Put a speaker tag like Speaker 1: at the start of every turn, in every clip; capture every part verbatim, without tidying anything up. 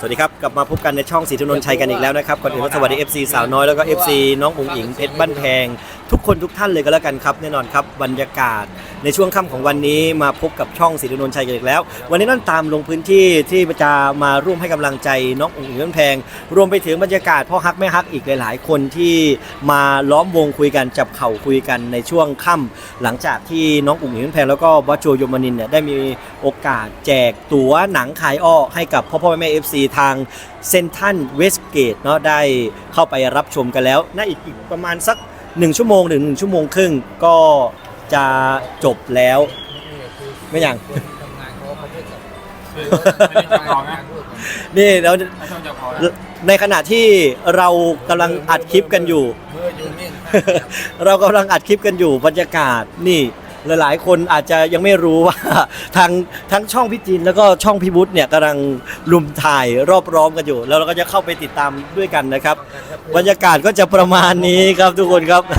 Speaker 1: สวัสดีครับกลับมาพบกันในช่องศรีธนนท์ชัยกันอีกแล้วนะครับก่อนอื่นก็สวัสดี เอฟ ซี สาวน้อยแล้วก็ เอฟ ซี น้องอุ๋งอิงเพชรบ้านแพงทุกคนทุกท่านเลยก็แล้วกันครับแน่นอนครับบรรยากาศในช่วงค่ำของวันนี้มาพบกับช่องศรีธนนท์ชัยกันอีกแล้ววันนี้นั่นตามลงพื้นที่ที่จะมาร่วมให้กำลังใจน้องอุ๋งอิงเพชรบ้านแพงรวมไปถึงบรรยากาศพ่อฮักแม่ฮักอีกหลายๆคนที่มาล้อมวงคุยกันจับเข่าคุยกันในช่วงค่ำหลังจากที่น้องอุ๋งอิงเพชรบ้านแพงแล้วก็บอสโจโยมานินเนี่ยได้มีโอกาสแจกตั๋วหนังขายอ้อให้กับพ่อพ่อแม่ เอฟ ซี ทางเซนทันเวสเกตเนาะได้เข้าไปรับชมกันแล้วน่าอีกอีกประมาณสักหนึ่งชั่วโมงหรือหนึ่งชั่วโมงครึ่งก็จะจบแล้วไม่อย่างนี่แล้วในขณะที่เรากำลังอัดคลิปกันอยู่ เรากำลังอัดคลิปกันอยู่บรรยากาศนี่หลายๆคนอาจจะยังไม่รู้ว่าทางทั้งช่องพี่จินแล้วก็ช่องพี่วุฒิเนี่ยกำลังลุมถ่ายรอบร้อมกันอยู่แล้วเราก็จะเข้าไปติดตามด้วยกันนะครับบรรยากาศก็จะประมาณนี้ครับทุกคนครับ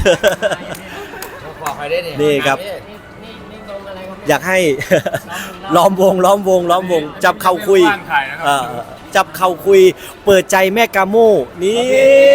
Speaker 1: นี่ครับอยากให้ ล้อมวงล้อมวงล้อมวงจับเข่าคุยจับเข่าคุยเปิดใจแม่กาโม่นี่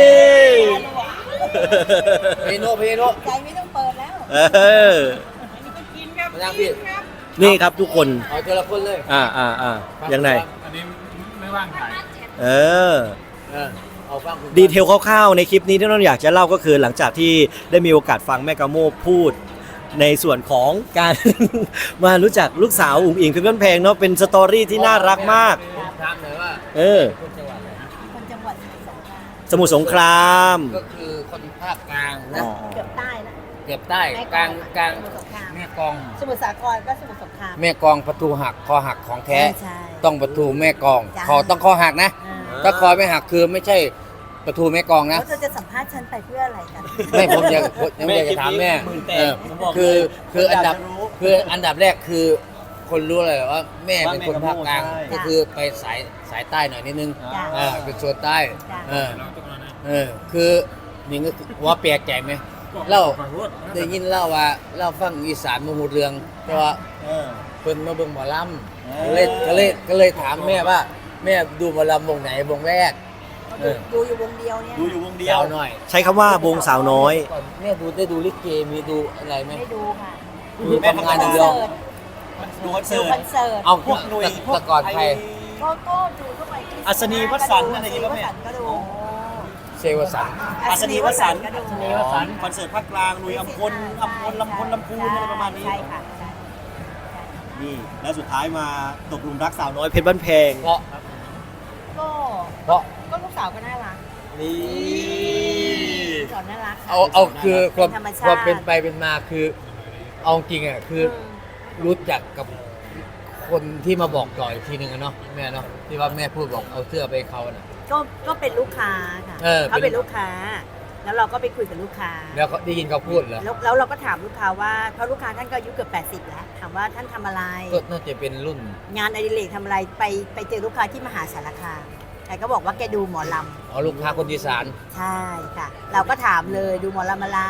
Speaker 2: พีโนพีโน
Speaker 3: ใจไม่ต้องเปิดแล้ว
Speaker 1: เออ
Speaker 2: มานั่งพี่
Speaker 1: นี่ครับทุกคน
Speaker 2: เอาทีละคนเลย
Speaker 1: อ่าอ่าอ่ายังไง
Speaker 4: อันนี้ไม่ว่างถ่าย
Speaker 1: เออ
Speaker 2: เอาฟัง
Speaker 1: ดีเทลคร่าวๆในคลิปนี้ที่เราอยากจะเล่าก็คือหลังจากที่ได้มีโอกาสฟังแม่กาโม่พูดในส่วนของการ มารู้จักลูกสาวอุ๋งอิงเพชรบ้านแพงเนาะเป็นสตอรี่ที่น่ารักมาก
Speaker 2: ถามเลยว่า
Speaker 1: เออ
Speaker 3: คนจังหวัด
Speaker 1: สมุทรสงคราม
Speaker 2: ก็คือคนภาคกลางนะ
Speaker 3: เกือบใต้นะ
Speaker 2: เกือบใต้กลางกลางแม่กอง
Speaker 3: สมุทรสาครก็สมุทรสงคราม
Speaker 2: แม่กองประตูหักคอหักของแท้ต้องประตูแม่กองคอต้องคอหักนะถ้าคอไม่หักคือไม่ใช่ประตูแม่กองนะ
Speaker 3: แล้วจะสัมภาษณ์ฉันไปเพื่ออะไรกัน
Speaker 2: ไม่ผมอยากผมอยากจะถามแม่คือคืออันดับคืออันดับแรกคือคนรู้เลยว่าแม่เป็นคนภาคกลางก็คือไปสายสายใต้หน่อยนิดนึงอ่าเป็นโซนใต้เออเออคือนี่ก็ว่าแปลกใจไหมเล่าได้ยินเล่าว่าเล่าฟังอีสานมาหูเรืองแต่ว่าเพิ่นมาเบิ่งหมอลำก็เลยก็เลยก็เลยถามแม่ว่าแม่ดูหมอลำวงไหนวงแรก
Speaker 3: ดูอยู่วงเดียวเนี่ย
Speaker 1: ดูอยู่วงเดียว
Speaker 2: หน่อย
Speaker 1: ใช้คำว่าวงสาวน้อย
Speaker 2: แม่ดูได้ดูลิเกมีดูอะไรไหม
Speaker 3: ไม่ดูค่ะ
Speaker 2: ดูทำงานอย่างเดียว
Speaker 1: ดูคอนเสิร์ต
Speaker 2: เอาพวกหน่วยพวกก่อนใคร
Speaker 3: ก็ก็ดูเข้าไป
Speaker 1: อัศนีวสันต์อะไรอย่างเงี้ยแม่
Speaker 3: ก็ดู
Speaker 2: เซวสัน
Speaker 1: อัศนีวสันต์อัศนีวสันต์คอนเสิร์ตภาคกลางลุยอัมพลอัมพลลำพลลำพูนอะไรประมาณนี้
Speaker 3: ใช่ค่ะ
Speaker 1: นี่แล้วสุดท้ายมาตกหลุมรักสาวน้อยเพชรบ้านแพง
Speaker 2: เพราะ
Speaker 3: ก็
Speaker 2: เพราะ
Speaker 3: ก็ลูกสาวก็น่ารัก
Speaker 1: นี่
Speaker 3: สอนน่ารัก
Speaker 2: เอาเอาคือความความเป็นไปเป็นมาคือเอาจริงอ่ะคือรู้จักกับคนที่มาบอกต่ออีกทีหนึ่งเนาะแม่เนาะที่ว่าแม่พูดบอกเอาเสื้อไปเขาน่ะ
Speaker 3: ก็ก็เป็นลูกค้าค่ะเขาเป็นลูกค้าแล้วเราก็ไปคุยกับลูกค้า
Speaker 2: แล้วได้ยินเขาพูดเหรอ
Speaker 3: แล้วเราก็ถามลูกค้าว่าเพราะลูกค้าท่านก็อายุเกือบแปดสิบแล้วถามว่าท่านทำอะไร
Speaker 2: ก็น่าจะเป็นรุ่น
Speaker 3: งานอดิเรกทำอะไรไปไปเจอลูกค้าที่มหาสารคามแกก็บอกว่าแกดูหมอลำ
Speaker 2: อ๋อลูกค้าคนอีสาน
Speaker 3: ใช่ค่ะเราก็ถามเลยดูหมอลำอะไร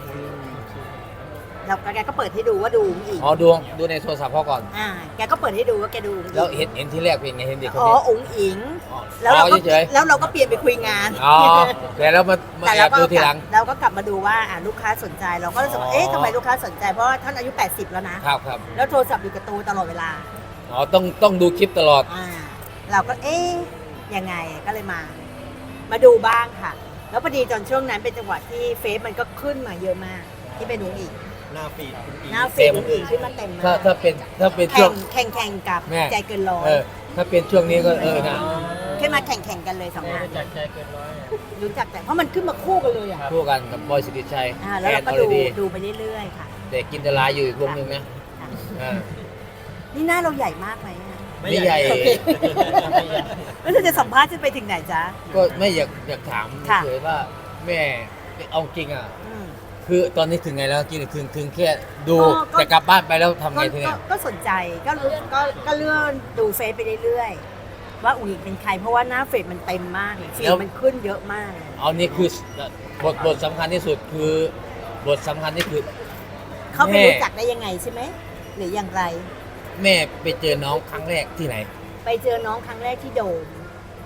Speaker 3: แล้วแกก็เปิดให้ดูว่าดูอุ๋งอิง
Speaker 2: อ๋อดูดูในโทรศัพท์พ่อก่อน
Speaker 3: อ่าแกก็เปิดให้ดูว่าแกดู
Speaker 2: แล้วเห็นเห็นที่แรกเป็นไงเห็นเด็กคน
Speaker 3: นี้อ๋ออุ๋งอิงแล้วเราก็แล้วเราก็เปลี่ยนไปคุยงาน
Speaker 2: อ๋อแต่แล้วมามาแอบดูทีหลัง
Speaker 3: เราก็กลับมาดูว่าอ่าลูกค้าสนใจเราก็รู้สึกว่าเอ๊ะทำไมลูกค้าสนใจเพราะท่านอายุแปดสิบแล้วนะครับ
Speaker 2: ครับ
Speaker 3: แล้วโทรศัพท์อยู่กับตัวตลอดเวลา
Speaker 2: อ๋อต้องต้องดูคลิปตลอด
Speaker 3: อ่าเราก็เอ๊ะยังไงก็เลยมามาดูบ้างค่ะแล้วพอดีตอนช่วงนั้นเป็นจังหวะที่เฟซมันก็ขึ้นมาเยอะมากที่เป็นอุ๋งอิง
Speaker 1: หน้าฟีด
Speaker 3: หน้าฟีดอุ๋งอิงขึ้นมาเต็มมาก
Speaker 2: ถ้าถ้าเป็นถ้าเป็นช่วง
Speaker 3: แข่งแข่งกับใจเกินร้อย
Speaker 2: ถ้าเป็นช่วงนี้ก็เออนะ
Speaker 3: ขึ้นมาแข่งแข่งกันเลยสองงานรู้จักใจเกินร้อยรู้จักแต่เพราะมันขึ้นมาคู่กันเลยอ่ะ
Speaker 2: คู่กันกับบอยสิริชัย
Speaker 3: แล้วเราก็ดูดูไปเรื่อยๆค่ะ
Speaker 2: แต่กินตลาอยู่อีกวงหนึ่งนะ
Speaker 3: นี่หน้าเราใหญ่มากไหม
Speaker 2: ไม่ใหญ่
Speaker 3: แล้วเราจะสัมภาษณ์จะไปถึงไหนจ๊ะ
Speaker 2: ก็ไม่อยากอยากถามเฉยว่าแม่เอาจริงอ่ะคือตอนนี้ถึงไงแล้วกินถึงถึงแค่ดูแต่กลับบ้านไปแล้วทำไงทีเนี้ย
Speaker 3: ก็สนใจก็ก็ก็เลื่อนดูเฟซไปเรื่อยๆว่าอุ๋งอิงเป็นใครเพราะว่าหน้าเฟซมันเต็มมากฟีดมันขึ้นเยอะมาก
Speaker 2: เอานี่คือบทบทสำคัญที่สุดคือบทสำคัญที่คือ
Speaker 3: เขาไปรู้จักได้ยังไงใช่ไหมหรืออย่างไร
Speaker 2: แม่ไปเจอน้องครั้งแรกที่ไหน
Speaker 3: ไปเจอน้องครั้งแรกที่โดม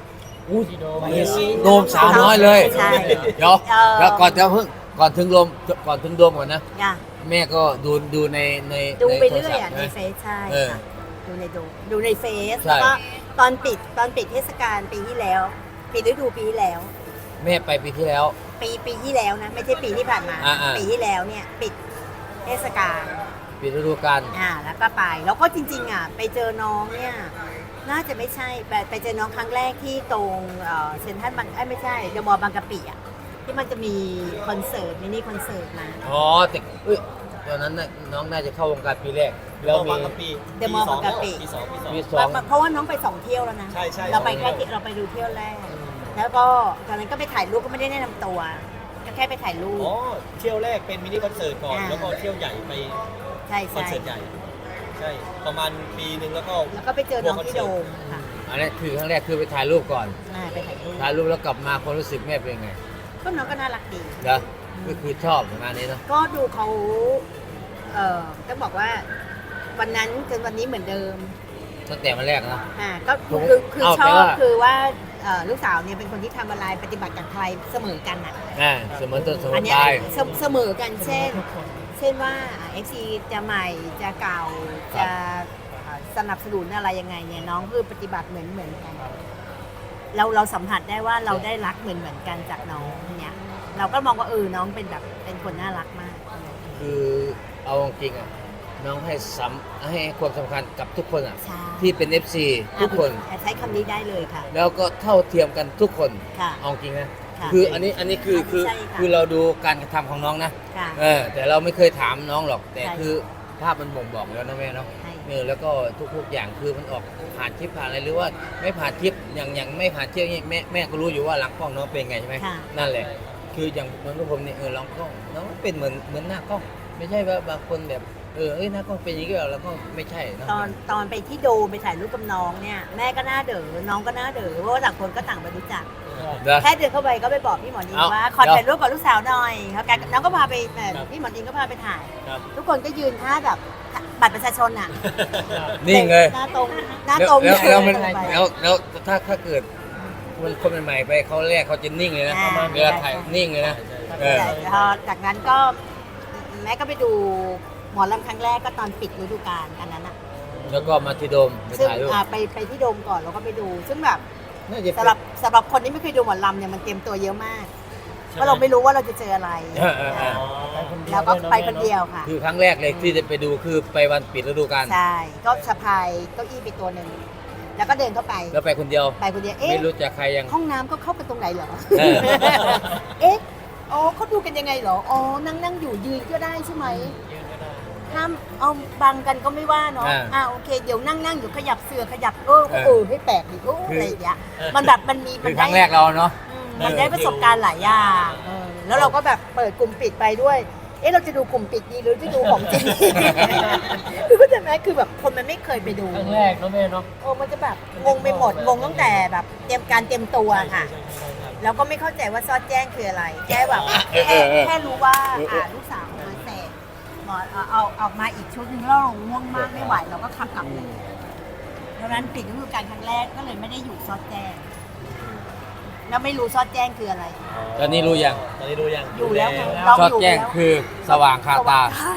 Speaker 2: อู้โดมสาวน้อยเลย
Speaker 3: ใช่
Speaker 2: เดี๋ยว
Speaker 3: เออ
Speaker 2: แล้วก่อนจะเพิ่งก่อนถึงโดมก่อนถึงโดมก่อนนะ
Speaker 3: จ้ะ
Speaker 2: แม่ก็ดูดูในใน
Speaker 3: ดูไป
Speaker 2: โท
Speaker 3: เรื่อย
Speaker 2: ศัพ
Speaker 3: อ่ะ
Speaker 2: ท์
Speaker 3: ใน
Speaker 2: นะ
Speaker 3: เฟซใช่
Speaker 2: เออ
Speaker 3: ค่ะดูในดูดูในเฟซ
Speaker 2: ใช่
Speaker 3: แล้วก็ตอนปิดตอนปิดเทศกาลปีที่แล้วปิดฤดูปีที่แล้ว
Speaker 2: แม่ไปปีที่แล้ว
Speaker 3: ปีปีที่แล้วนะไม่ใช่ปีที่ผ่านมา
Speaker 2: อ่าๆ
Speaker 3: ปีที่แล้วเนี่ยปิดเทศกาล
Speaker 2: ปีฤดูกาล
Speaker 3: อ่าแล้วก็ไปแล้วก็จริงๆอ่ะไปเจอน้องเนี่ยน่าจะไม่ใช่ไปไปเจอน้องครั้งแรกที่ตรงเอ่อเซ็นทรัลบางเอ้ยไม่ใช่เดอะมอลล์บางกะปิอ่ะที่มันจะมีคอนเสิร์ตมินิคอนเสิร์ตมา
Speaker 2: อ๋อแต่เอ้ยตอนนั้นน่ะน้องน่าจะเข้าวงการปีแรกแล้วมี
Speaker 3: เดอะมอลล์บางกะปิ
Speaker 1: ปีสองปีสอง
Speaker 2: ปีสอง
Speaker 3: เพราะว่าน้องไปสองเที่ยวแล้วนะ
Speaker 1: ใช่ใช่
Speaker 3: เราไปแค่ที่เราไปดูเที่ยวแรก แล้วก็ตอนนั้นก็ไปถ่ายรูปก็ไม่ได้แนะนำตัวก็แค่ไปถ่ายรูป
Speaker 1: อ๋อเที่ยวแรกเป็นมินิคอนเสิร์ตก่อน
Speaker 3: อ่า
Speaker 1: แล้วก็เที่ยวใหญ่ไป
Speaker 3: ใช่
Speaker 1: คอน
Speaker 3: ใช่
Speaker 1: เสิร์ตใหญ่ใช่ประมาณปีหนึ่งแล้วก็
Speaker 3: แล้วก็ไปเจอน้องที่โดมค่ะ
Speaker 2: อันนี้คือครั้งแรกคือไปถ่ายรูปก่อน
Speaker 3: อ่าไปถ่ายรูป
Speaker 2: ถ่ายรูปแล้วกลับมาความรู้สึกแม่เป็นไง
Speaker 3: ก็น้องก็น่ารักดี
Speaker 2: เด้อก็คือชอบงานนี้เนาะ
Speaker 3: ก็ดูเขาเอ่อต้องบอกว่าวันนั้นจนวันนี้เหมือนเดิม
Speaker 2: ตั้งแต่วันแรกนะ
Speaker 3: อ่าก็
Speaker 2: ผม
Speaker 3: คือคือ
Speaker 2: เอา
Speaker 3: ช
Speaker 2: แปล
Speaker 3: อบ
Speaker 2: ว่า
Speaker 3: คือว่าเอ่อลูกสาวเนี่ยเป็นคนที่ทำอะไรปฏิบัติกับใครเสมอกันอ่ะ
Speaker 2: อ่าเสมอต้นเสม
Speaker 3: อั
Speaker 2: อน
Speaker 3: เนี้
Speaker 2: ป
Speaker 3: ย
Speaker 2: ลาย
Speaker 3: เสเสมอกันเช่น เช่นว่าเอฟซีจะใหม่จะเก่าจะเอ่อสนับสนุนอะไรยังไงเนี่ยน้องคือปฏิบัติเหมือนเหมือนกัน เราเราสัมผัสได้ว่าเราได้รักเหมือนเหมือนกันจากน้องเนี่ยเราก็มองว่าเออน้องเป็นแบบเป็นคนน่ารักมาก
Speaker 2: คือเอาจริงๆอ่ะน้องให้สำให้ความสำคัญกับทุกคนอ่ะ
Speaker 3: ใช่
Speaker 2: ที่เป็น เอฟ ซี ทุกคน
Speaker 3: อ่ะใช้คำนี้ได้เลยค่ะ
Speaker 2: แล้วก็เท่าเทียมกันทุกคน
Speaker 3: ค่ะ
Speaker 2: เอาจริงนะ
Speaker 3: ค่ะ
Speaker 2: คืออันนี้อันนี้คือคือ
Speaker 3: ใช่ค่ะ
Speaker 2: คือเราดูการกระทำของน้องนะ
Speaker 3: ค่ะ
Speaker 2: เออแต่เราไม่เคยถามน้องหรอก แต่
Speaker 3: ใช่
Speaker 2: คือภาพมันบ่งบอกแล้วนะแม่เนาะ
Speaker 3: ใช่
Speaker 2: เออแล้วก็ทุกๆอย่างคือมันออกผ่านคลิปผ่านอะไรหรือว่าไม่ผ่านคลิปอย่างอย่างไม่ผ่านคลิปนี่แม่แม่ก็รู้อยู่ว่าหลังกล้องน้องเป็นไงใช่ไหม
Speaker 3: ค่ะ
Speaker 2: นั่นแหละ คืออย่างเหมือนพวกผมเนี่ยเออหลังกล้องน้องเป็นเหมือนเหมือนหน้ากล้อง ไม่ใช่ว่าบางคนแบบเออเอ้ยหน้ากล้องเป็นอย่างนี้แล้วก็ไม่ใช่เนอะ
Speaker 3: ตอนตอนไปที่โดมไปถ่ายรูปกับน้องเนี่ยแม่ก็น่าเด๋อน้องก็น่าเด๋อเพราะว่าต่างคนก็ต่างไปรู้จัก
Speaker 2: เด้อ
Speaker 3: แค่เดินเข้าไปก็ไปบอกพี่หมอนิง
Speaker 2: เอ้า
Speaker 3: ว่าขอ
Speaker 2: เดี๋ยว
Speaker 3: ถ่ายรูปกับลูกสาวหน่อยเขาแกน้องก็พาไปแบบ
Speaker 1: ครับ
Speaker 3: พี่หมอนิงก็พาไปถ่าย
Speaker 1: ครับ
Speaker 3: ทุกคนก็ยืนท่าแบบบัตรประชาชนอ่ะ
Speaker 2: นี่ไง
Speaker 3: หน้าตรงหน้า
Speaker 2: แล้ว
Speaker 3: ตรง
Speaker 2: แล้วแล้วมัน
Speaker 3: เดิไป
Speaker 2: แล้วแล้วถ้าถ้าเกิดคนคนใหม่ๆไปเขาแรกเขาจะนิ่งเลยนะ
Speaker 3: อ่า
Speaker 2: เวลาถ่ายนิ่งเลยนะเออ
Speaker 3: แต่พอจากนั้นก็แม่ก็ไปดูหมอลำครั้งแรกก็ตอนปิดฤดูกาลอันนั้นอ่ะ
Speaker 2: แล้วก็มาที่โดมไป
Speaker 3: ซึ่ง
Speaker 2: ถ่ายรูป
Speaker 3: อ่าไปไปที่โดมก่อนแล้วก็ไปดู ซึ่งแบบ
Speaker 2: น่าจะ
Speaker 3: สำหรับสำหรับคนที่ไม่เคยดูหมอลำเนี่ยมันเตรียมตัวเยอะมากเพราะเราไม่รู้ว่าเราจะเจออะไร
Speaker 2: เออเออเออ
Speaker 3: แล้วก็ไปคนเดียวค่ะ
Speaker 2: คือครั้งแรกเลยที่จะไปดูคือไปวันปิดฤดูกาล
Speaker 3: ใช่ ก็สะพายเก้าอี้ไปตัวหนึ่ง แล้วก็เดินเข้าไป
Speaker 2: แล้วไปคนเดียว
Speaker 3: ไปคนเดียว เอ๊ะ
Speaker 2: ไม่รู้จักใครยัง
Speaker 3: ห้องน้ำก็เข้าไปตรงไหนเหรอ
Speaker 2: เออ
Speaker 3: เอ๊ะ อ๋อเขาดูกันยังไงเหรอ อ๋อ นั่งนั่งอยู่ยืนก็ได้ใช่ไหมห้ามเอาบังกันก็ไม่ว่าเนาะ
Speaker 2: อ่า
Speaker 3: อ่าโอเค เดี๋ยวนั่งนั่งอยู่ขยับเสือขยับเออ
Speaker 2: เออ
Speaker 3: เออให้แปลกดิโอ้
Speaker 2: คืออ
Speaker 3: อะไรอย่างเงี้ย มันแบบมันมี
Speaker 2: คื
Speaker 3: มั
Speaker 2: อน ครั้งแรกเราเนาะ
Speaker 3: อืมมันได้ประสบการณ์หลายอย่างเออแล้วเราก็แบบเปิดกลุ่มปิดไปด้วย เอ๊ะเราจะดูกลุ่มปิดดีหรือจะดูของจริงดี คือเข้าใจไหมคือแบบคนมันไม่เคยไปดู
Speaker 4: ครั้งแรกเนาะแม่เนาะ
Speaker 3: โอ้มันจะแบบงงไปหมด งงตั้งแต่แบบเตรียมการเตรียมตัวค่ะ แล้วก็ไม่เข้าใจว่าซอดแจ้งคืออะไร แค่แบบ
Speaker 2: เออ
Speaker 3: แค่
Speaker 2: เออเออ
Speaker 3: แค่รู้ว่า
Speaker 2: เออเออ
Speaker 3: อ่าลูกสาวมาเสร็จหมอเอาเอาออกมาอีกชุดหนึงแล้วเราง่วงมากไม่ไหวเราก็ขับกลับเลยเพราะฉะนั้นปิดฤดูกาลครั้งแรกก็เลยไม่ได้อยู่ซอดแจ้ง แล้วไม่รู้ซอดแจ้งคืออะไร
Speaker 2: ตอนนี้รู้ยัง
Speaker 1: ตอนนี้รู้ยัง
Speaker 3: อยู่แล้วไง
Speaker 1: รู้
Speaker 3: เรา
Speaker 2: ชอบแจ้งคือสว่างคาตา
Speaker 3: ใช่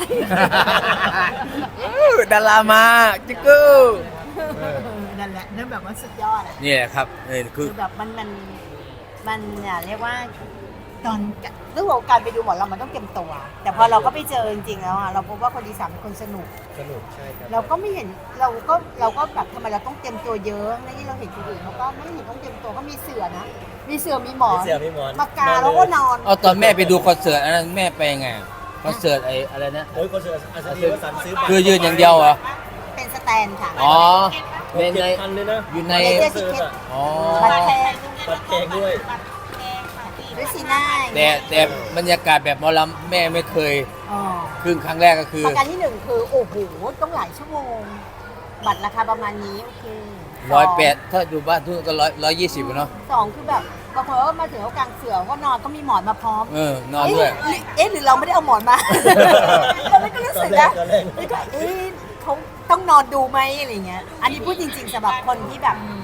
Speaker 2: ดารามาจิกกู
Speaker 3: นั่นแหละนั่นแบบว่าสุดยอดอะ
Speaker 2: นี่แหละครับเออคื
Speaker 3: คือ อแบบมันมันมันอ่ะเรียกว่าตอนเรื่องของการไปดูหมอเรามันต้องเตรียมตัว แต่พอเราก็ไปเจอจริงๆแล้วอ่ะเราพบว่าคนดีสามเป็นคนสนุก
Speaker 1: สนุกใช่ครับ
Speaker 3: เราก็ไม่เห็นเราก็เราก็แบบทำไมเราต้องเตรียมตัวเยอะในที่เราเห็นคนอื่นเขาก็ไม่เห็นต้องเตรียมตัวก็มีเสือนะ มีเสือมีหมอ
Speaker 1: มี
Speaker 3: น
Speaker 1: เสียมีหมอน
Speaker 3: มากาแล้วก็นอน
Speaker 2: เอาตอนแม่ไปดูคอนเสิร์ตอันนั้นแม่ไปยังไงคอนเสิร์ตไอ้อะไรนะ
Speaker 1: โอ้ยคนเสืออัศนีวสันต์ซื้อบัตร
Speaker 2: คือยืนอย่างเดียวเหรอ
Speaker 3: เป็นสแตนค่ะ
Speaker 2: อ๋อใน
Speaker 1: เจ็
Speaker 2: ใน
Speaker 1: ดพันเลยนะ
Speaker 2: อยู่ใน
Speaker 3: ในเจ
Speaker 1: คอนเสิร์ตอะ
Speaker 2: อ๋อ
Speaker 3: บัตรแพง
Speaker 1: บัตรแพงด้วย
Speaker 3: ด้วยสีหน้า
Speaker 2: แต่แต่บรรยากาศแบบหมอลำแม่ไม่เคย
Speaker 3: อ๋อ
Speaker 2: ครึ่งครั้งแรกก็คือ
Speaker 3: ประการที่หนึ่งคือโอ้โหต้องหลายชั่วโมง บัตรราคาประมาณนี้โอเค
Speaker 2: ร้อยแปดถ้าอยู่บ้านทุกก็ร้อยร้อยยี่สิบเนาะ
Speaker 3: สองคือแบบบางคนก็มาถึงเขากลางเสือก็นอนก็มีหมอนมาพร้อม
Speaker 2: เออนอนด้วย
Speaker 3: เอ๊ะเอ๊ะหรือเราไม่ได้เอาหมอนมา เราไม่ก็รู้สึกนะ
Speaker 1: ตอนแรก
Speaker 3: แล้วก็เอ๊ะเขาต้องนอนดูไหมอะไรเงี้ย อันนี้พูดจริงๆสำหรับคนที่แบบ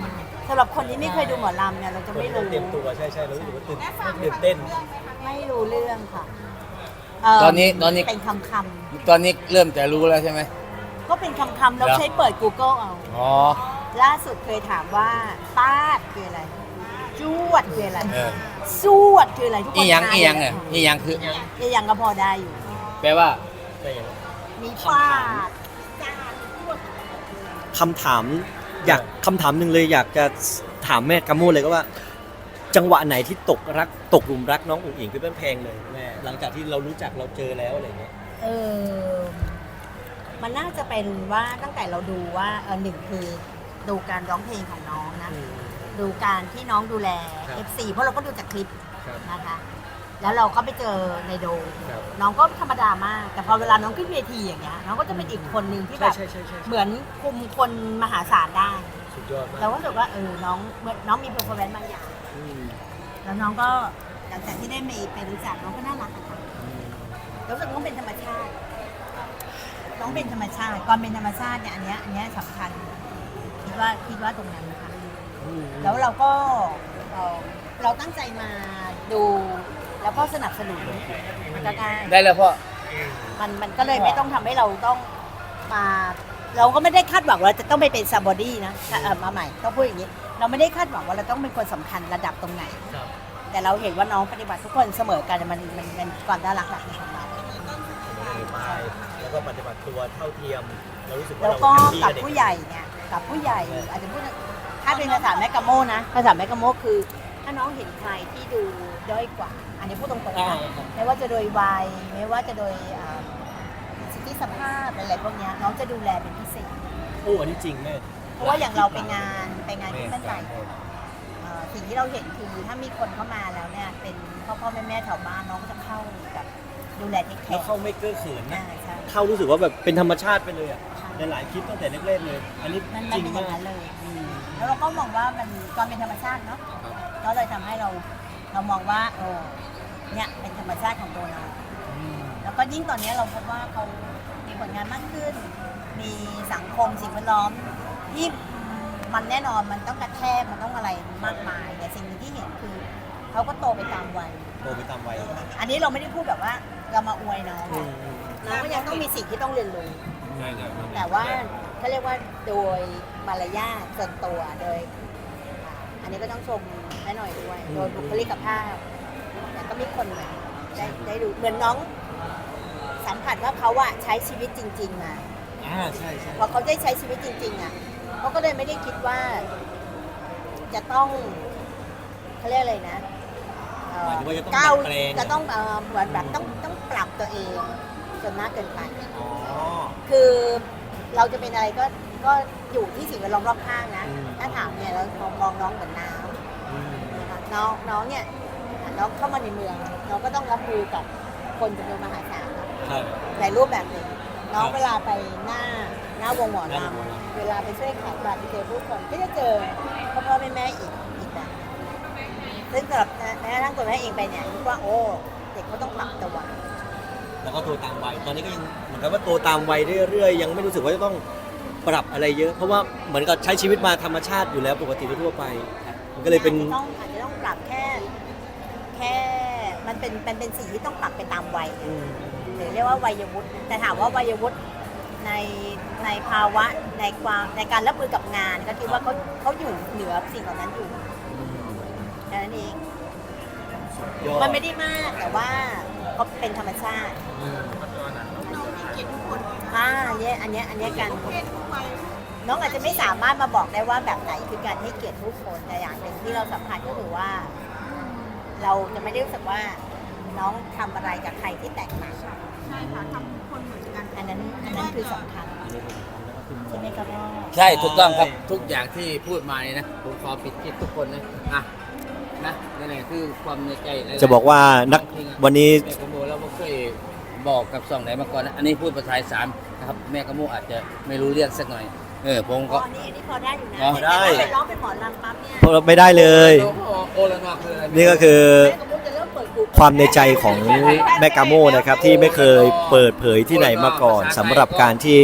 Speaker 3: สำหรับคนที่ไม่เคยดูหมอลำเนี่ยเราจะไม่รู้
Speaker 1: เตรียมตัวใช่ใช่เรารู้สึกว่าตื่นตื่นเต้น
Speaker 3: ไม่รู้เรื่องค่ะเ
Speaker 2: ตอนนี้ตอนนี้
Speaker 3: เป็นคำค
Speaker 2: ตอนนี้เริ่มจะรู้แล้วใช่ไหม
Speaker 3: ำก็เป็นคำคำเรา
Speaker 2: เหรอ
Speaker 3: ใช้เปิด Google เอา
Speaker 2: อ๋อ
Speaker 3: ล่าสุดเคยถามว่าตาดคืออะไรจวดคืออะไร
Speaker 2: เออ
Speaker 3: สวดคืออะไรทุกคน
Speaker 2: อีหยัง
Speaker 3: ทา
Speaker 2: อีหยังเนี่ยอีหยังคือ
Speaker 3: อีหยังก็พอได้อยู่
Speaker 2: แปลว่า
Speaker 3: มีฟาดจานจวด
Speaker 1: คำถามอยากคำถามหนึ่งเลยอยากจะถามแม่กาโมเลยก็ว่า จังหวะไหนที่ตกรักตกหลุมรักน้องอุ๋งอิงเป็นแพงเลยแม่หลังจากที่เรารู้จักเราเจอแล้วอะไรเงี้ย
Speaker 3: เออมันน่าจะเป็นว่าตั้งแต่เราดูว่าเออหนึ่งคือดูการร้องเพลงของน้องนะ ดูการที่น้องดูแล
Speaker 1: ครับ
Speaker 3: เอฟ ซี เพราะเราก็ดูจากคลิป
Speaker 1: ครับ
Speaker 3: นะคะ แล้วเราก็ไปเจอในโดม
Speaker 1: ครับ
Speaker 3: น้องก็ธรรมดามาก แต่พอเวลาน้องขึ้นเวทีอย่างเงี้ยน้องก็จะเป็นอีกคนหนึ่งที่แบ
Speaker 1: ใช่
Speaker 3: บ
Speaker 1: ใช่ใช่ใช่
Speaker 3: เหมือนคุมคนมหาศาลได้
Speaker 1: สุดยอดมาก
Speaker 3: เราก็รู้สึกว่าเออน้องเหมือนน้องมีเพอร์ฟอร์แมนซ์บางอย่าง
Speaker 1: อืม
Speaker 3: แล้วน้องก็หลังจากที่ได้ไปไปรู้จักน้องก็น่ารักอะค่ะ
Speaker 1: อืม
Speaker 3: รู้สึกน้องเป็นธรรมชาติ น้องเป็นธรรมชาติความเป็นธรรมชาติเนี่ยอันเนี้ยอันเนี้ยสำคัญคิดว่าคิดว่าตรงนั้นนะคะ
Speaker 1: อืม
Speaker 3: แล้วเราก็เอ่อเราตั้งใจมาดูแล้วก็สนับสนุนมันก็ง่าย
Speaker 2: ได้แล้วพ่อ
Speaker 3: มันมันก็เลยไม่ต้องทำให้เราต้องมา เราก็ไม่ได้คาดหวังว่าเราจะต้องไปเป็นซาบอดี้นะเออมาใหม่ต้องพูดอย่างนี้ เราไม่ได้คาดหวังว่าเราต้องเป็นคนสำคัญระดับตรงไหน
Speaker 1: ครับ
Speaker 3: แต่เราเห็นว่าน้องปฏิบัติทุกคนเสมอกันมันมันมันความน่ารักหลักของเรา
Speaker 1: ไปแล้วก็ปฏิบัติตัวเท่าเทียมเรารู้สึกว่า
Speaker 3: แล้ว
Speaker 1: เรา
Speaker 3: ก็
Speaker 1: แฮปปี้
Speaker 3: กับ
Speaker 1: เด็
Speaker 3: ผู้ใหญ่เนี่ยกับผู้ใหญ่อาจจะพูดถ้าเป็นภาษาแมกกาโมนะภาษาแมกกาโมคือ ถ้าน้องเห็นใครที่ดูด้อยกว่า อันนี้พูดตรงๆ
Speaker 1: อ่า
Speaker 3: นะไม่ว่าจะโดยวัยไม่ว่าจะโดยอ่าสิทธิสภาพอะไรพวกเนี้ยน้องจะดูแลเป็นพิเศษ
Speaker 1: โอ้อันนี้จริงแม่
Speaker 3: เพราะว่าอย่างเราไปงานไปงานที่บ้านใหญ่เอ่อสิ่งที่เราเห็นคือถ้ามีคนเข้ามาแล้วเนี่ยเป็นพ่อพ่อแม่แม่แถวบ้านน้องก็จะเข้าแบบดูแลเทคแค
Speaker 1: แล้ว
Speaker 3: ร์
Speaker 1: เข้าไม่เก้อเขินนะ
Speaker 3: อ่าใช่
Speaker 1: เข้ารู้สึกว่าแบบเป็นธรรมชาติไปเลยอ่ะ
Speaker 3: ใช่
Speaker 1: ในหลายคลิปตั้งแต่แรกๆเลย อันนี้
Speaker 3: มัน
Speaker 1: จ
Speaker 3: มัน
Speaker 1: ริง
Speaker 3: เป็นอ
Speaker 1: มา
Speaker 3: ย่าก งนั้นเลยอืมแล้วเราก็มองว่ามันความเป็นธรรมชาติเนาะก็เลยทำให้เราเรามองว่าเออเนี่ยเป็นธรรมชาติของตัวเรา
Speaker 1: อืม
Speaker 3: แล้วก็ยิ่งตอนนี้เราพบว่าเขามีผลงานมากขึ้น มีสังคมสิ่งแวดล้อมที่มันแน่นอนมันต้องกระแทกมันต้องอะไรมากมายแต่สิ่งหนึ่งที่เห็นคือเขาก็โตไปตามวัย
Speaker 1: โตไปตามวัย
Speaker 3: อันนี้เราไม่ได้พูดแบบว่าเรามาอวยน้อง
Speaker 1: อืมอืม
Speaker 3: น้องก็ยังต้องมีสิ่งที่ต้องเรียนรู้
Speaker 1: ใช่ใช่
Speaker 3: แต่ว่าเขาเรียกว่าโดยมารยาทส่วนตัวโดยอ่าอันนี้ก็ต้องชมแม่หน่อยด้วย โดยบุคลิกภาพแต่ก็มีคนแบบได้ได้ดูเหมือนน้องสัมผัสว่าเขาอะใช้ชีวิตจริง ๆ มา
Speaker 1: อ่าใช่ใช่
Speaker 3: พอเขาได้ใช้ชีวิตจริง ๆอะเขาก็เลยไม่ได้คิดว่า จะต้องเขาเรียกอะไรนะเอ่อ
Speaker 1: หมายถึงว่าจะต้อง
Speaker 3: ก้าว
Speaker 1: ดัดแปลง
Speaker 3: จะต้องเอ่อเหมือนแบบต้องต้องปรับตัวเองจนมากเกินไป
Speaker 1: อ๋อ
Speaker 3: คือเราจะเป็นอะไรก็ก็อยู่ที่สิ่งแวดล้อมรอบข้างนะ
Speaker 1: อืม
Speaker 3: ถ้าถามเนี่ยเรามองมองน้องเหมือนน้
Speaker 1: อืม
Speaker 3: ำนะคะน้องน้องเนี่ยน้องเข้ามาในเมืองน้องก็ต้องรับมือกับคนจำนวนมหาศาลเนอะ
Speaker 1: ครับ
Speaker 3: ในรูปแบบหนึ่งน้อง
Speaker 1: ครับ
Speaker 3: เวลาไปหน้าหน้าวงหมอ
Speaker 1: หน้าวงหมอ
Speaker 3: ลำ
Speaker 1: ลำ
Speaker 3: เวลาไปช่วยขายบัตรไปเจอผู้คนก็จะเจอพ่อพ่อแม่แม่อีกอีกแบบซึ่งสำหรับแม้กระทั่งตัวแม่เองไปเนี่ยคิดว่าโอ้เด็กเขาต้องปรับตัว
Speaker 1: แล้วก็โตตามวัย ตอนนี้ก็ยังเหมือนกับว่าโตตามวัยเรื่อยๆ ยังไม่รู้สึกว่าจะต้องปรับอะไรเยอะ เพราะว่าเหมือนกับใช้ชีวิตมาธรรมชาติอยู่แล้วปกติทั่วไป มันก็เลยเป็น
Speaker 3: อาจจะต้องอาจจะต้องปรับแค่ แค่มันเป็นมันเป็นสิ่งที่ต้องปรับไปตามวัย
Speaker 1: อืม
Speaker 3: หรือเรียกว่าวัยวุฒิแต่ถามว่าวัยวุฒิในในภาวะในความในการรับมือกับงาน ก็คิดว่าเขาเขาอยู่เหนือสิ่งเหล่านั้นอยู่แค่นั้นเอง
Speaker 1: ยอด
Speaker 3: มันไม่ได้มากแต่ว่าเขาเป็นธรรมชาติ
Speaker 1: อืม
Speaker 3: อ่าเนี่ยอันเนี้ยอันเนี้ยการน้องอาจจะไม่สามารถมาบอกได้ว่าแบบไหนคือการให้เกียรติผู้คนแต่อย่างหนึ่งที่เราสัมผัสก็คือว่า เราจะไม่ได้รู้สึกว่าน้องทำอะไรกับใครที่แตกต่าง
Speaker 5: ใช่ค่ะทำทุกคนเหมือนกัน
Speaker 3: อันนั้นอันนั้นคือสำคัญใช่ไหมครับพ่อ
Speaker 2: ใช่ถูกต้องครับทุกอย่างที่พูดมานี่นะผมขอปิดคลิปทุกคนนะอ่ะนะนั่นแหละคือความในใจหลายๆ
Speaker 1: จะบอกว่านักวันนี้
Speaker 2: แม่กะโมเราไม่เคยบอกกับสองไหนมาก่อนนะอันนี้พูดภาษาอีสานนะครับแม่กะโมอาจจะไม่รู้เรื่องสักหน่อยเออผม
Speaker 3: อ๋
Speaker 2: ก็
Speaker 3: อนี่อันนี้พอได้อยู่นะ
Speaker 2: อ๋อ
Speaker 3: แต่ถ้าไปร้องเป็นหมอลำปั๊บเนี่ย
Speaker 1: พวกเราไม่ได้เลย
Speaker 2: โอละนอคืออะไร
Speaker 1: นี่ก็คือ
Speaker 3: แม่กับมุกจะเริ่มเปิดกู
Speaker 1: ความในใจของแม่กาโมนะครับที่ไม่เคยเปิดเผยที่ไหนมาก่อนสำหรับการที่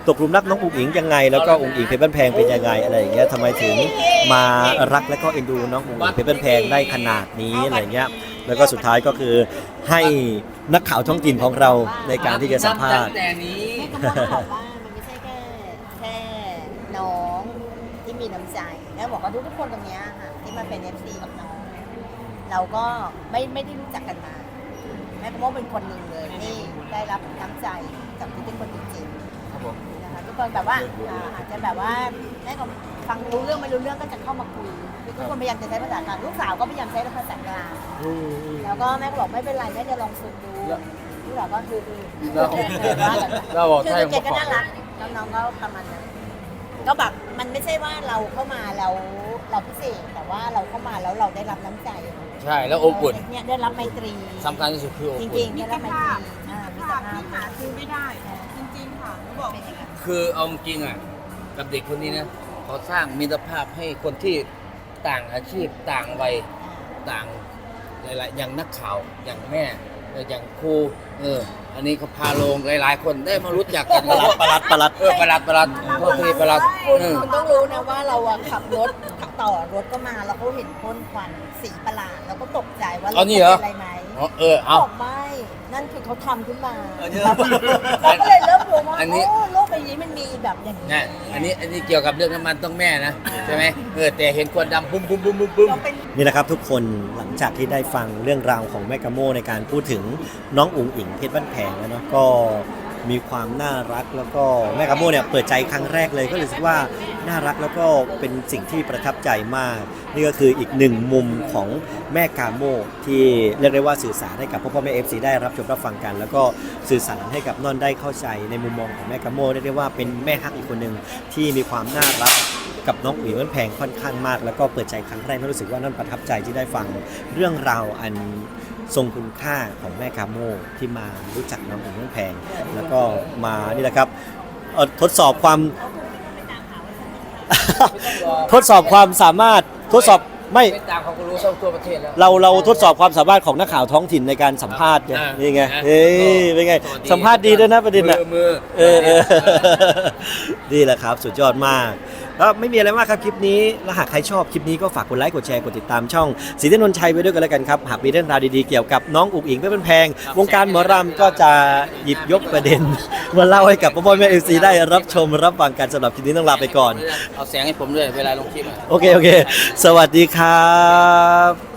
Speaker 1: ตกหลุมรักน้องอุ๋งอิงยังไง แล้วก็อุ๋งอิงเพชรบ้านแพงเป็นยังไงอะไรอย่างเงี้ยทำไมถึงมารักและก็เอ็นดูน้องอุ๋งอิงเพชรบ้านแพงได้ขนาดนี้อะไรเงี้ยแล้วก็สุดท้ายก็คือให้นักข่าวท้องถิ่นของเราในการที่จะสัมภาษณ์
Speaker 2: ตั้งแต่นี้
Speaker 3: แม่ก็บอกว่ามันไม่ใช่แค่แค่น้องที่มีน้ำใจแล้วบอกว่าทุกๆคนตรงเนี้ยค่ะที่มาเป็น เอฟ ซี กับน้อง เราก็ไม่ไม่ได้รู้จักกันมาแม่ก็ว่าเป็นคนหนึ่งเลยที่ได้รับน้ำใจจากที่เป็นคนจริง
Speaker 2: ครับผม
Speaker 3: ๆนะคะทุกคนแบบว่าอ่าอาจจะแบบว่าแม่ก็ฟังรู้เรื่องไม่รู้เรื่องก็จะเข้ามาคุยคือทุกคนพยายามจะใช้ภาษากลางลูกสาวก็พยายามใช้ภาษากลางแล้วก็แม่ก็บอกไม่เป็นไรแม่จะลองฝึกดูลูกสาวก็คือคือ
Speaker 2: เราเราบอก
Speaker 3: คือ
Speaker 2: ใช่
Speaker 3: เกดก็น่ารักน้องๆก็ประมาณนั้นก็แบบมันไม่ใช่ว่าเราเข้ามาแล้วเราพิเศษแต่ว่าเราเข้ามาแล้วเราได้รับน้ำใจ
Speaker 2: ใช่แล้วอบอุ่น
Speaker 3: เนี่ยได้รับไมตรี
Speaker 2: สำคัญที่สุดคืออบ
Speaker 3: จ
Speaker 2: อุ่
Speaker 3: ริง
Speaker 2: น
Speaker 3: ๆ
Speaker 5: มิ
Speaker 3: ได้
Speaker 5: ต
Speaker 3: รั
Speaker 5: ร
Speaker 3: บไมต
Speaker 5: ภาพ
Speaker 3: รีอ่า
Speaker 5: มิ
Speaker 3: มิ
Speaker 5: ตร
Speaker 3: ตร
Speaker 5: ภาพ
Speaker 3: ภาพ
Speaker 5: ที่หาซื้อไม่ได้ จริงๆค่ะเขาบอก
Speaker 2: คือเอาจริงอ่ะกับเด็กคนนี้นะเขาสร้างมิตรภาพให้คนที่ต่างอาชีพต่างวัยต่างหลายๆอย่างนักข่าวอย่างแม่เอออย่างครูเอออันนี้เขาพาลงหลายๆ คนได้มารู้จักกัน
Speaker 1: ประหลัดประหลัดประหลัด
Speaker 2: เออประหลัดประหลัดพ่อพี่ประหลัด
Speaker 3: คุณ
Speaker 2: เออ
Speaker 3: คุณต้องรู้นะว่าเราอะขับรถต่อรถก็มาแล้วเขาเห็นพ่นควันสีประหลาดแล้วก็ตกใจว่า
Speaker 2: เอานี่เหรอ
Speaker 3: ป็อะไรไหม
Speaker 2: อ๋อเออเอา
Speaker 3: บอกไม่นั่นคือเขาทำขึ้นมาเราก็เลยเริ่มรู้ว่า
Speaker 2: อันนี้
Speaker 3: โอ้โลกใบนี้มันมีแบบอย่างนี้
Speaker 2: นะอันนี้อันนี้เกี่ยวกับเรื่องน้ำมันต้องแม่นะใช่ไหมเออแต่เห็นควันดำบุ้มบุ้มบุ้มบุ้มบุ้ม
Speaker 3: เราเป็น
Speaker 1: นี่นะครับทุกคนหลังจากที่ได้ฟังเรื่องราวของแม่กะโมในการพูดถึงน้องอุ๋งอิงเพชรบ้านแพงแล้วเนาะก็มีความน่ารักแล้วก็แม่กะโมเนี่ยเปิดใจครั้งแรกเลยก็รู้สึกว่าน่ารักแล้วก็เป็นสิ่งที่ประทับใจมาก นี่ก็คืออีกหนึ่งมุมของแม่กาโมที่เรียกได้ว่าสื่อสารให้กับพ่อพ่อแม่เอฟซีได้รับชมรับฟังกัน แล้วก็สื่อสารให้กับนอนได้เข้าใจในมุมมองของแม่กาโมเรียกได้ว่าเป็นแม่ฮักอีกคนหนึ่งที่มีความน่ารักกับน้องอุ๋ยมันแพงค่อนข้างมาก แล้วก็เปิดใจครั้งแรกแล้วรู้สึกว่านั่นประทับใจที่ได้ฟังเรื่องราวอันทรงคุณค่าของแม่กาโมที่มารู้จักน้องอุ๋ยมันแพง แล้วก็มานี่แหละครับเอ่อทดสอบความ ทดสอบความสามารถทดสอบไม่
Speaker 2: ไม่ตามเขาก็รู้ทั่วประเทศแล้ว
Speaker 1: เราเราทดสอบความสามารถของนักข่าวท้องถิ่นในการสัมภาษณ์ไง
Speaker 2: อ่า
Speaker 1: นี่ไง
Speaker 2: อ่า
Speaker 1: เฮ้ยเป็นไง
Speaker 2: ตัวดี
Speaker 1: สัมภาษณ์ดีด้วยนะประเด็นน่ะ
Speaker 2: มือมือ
Speaker 1: เออเออ นี่แหละครับสุดยอดมากก็ไม่มีอะไรมากครับคลิปนี้และหากใครชอบคลิปนี้ก็ฝากกดไลค์กดแชร์กดติดตามช่องศรีเทพนนท์ชัยไว้ด้วยกันแล้วกันครับหากมีเรื่องราวดีๆเกี่ยวกับน้องอุ๋งอิงเพชรบ้านแพง วงการหมอรำก็จะหยิบยกประเด็น มาเล่าให้กับพ่อพ่อแม่เอฟซีได้รับชมรับฟังกันสำหรับคลิปนี้ต้องลาไปก่อน
Speaker 2: เอาแสงให้ผมด้วยเวลาลงคลิปอะ
Speaker 1: โอเคโอเค สวัสดีครับ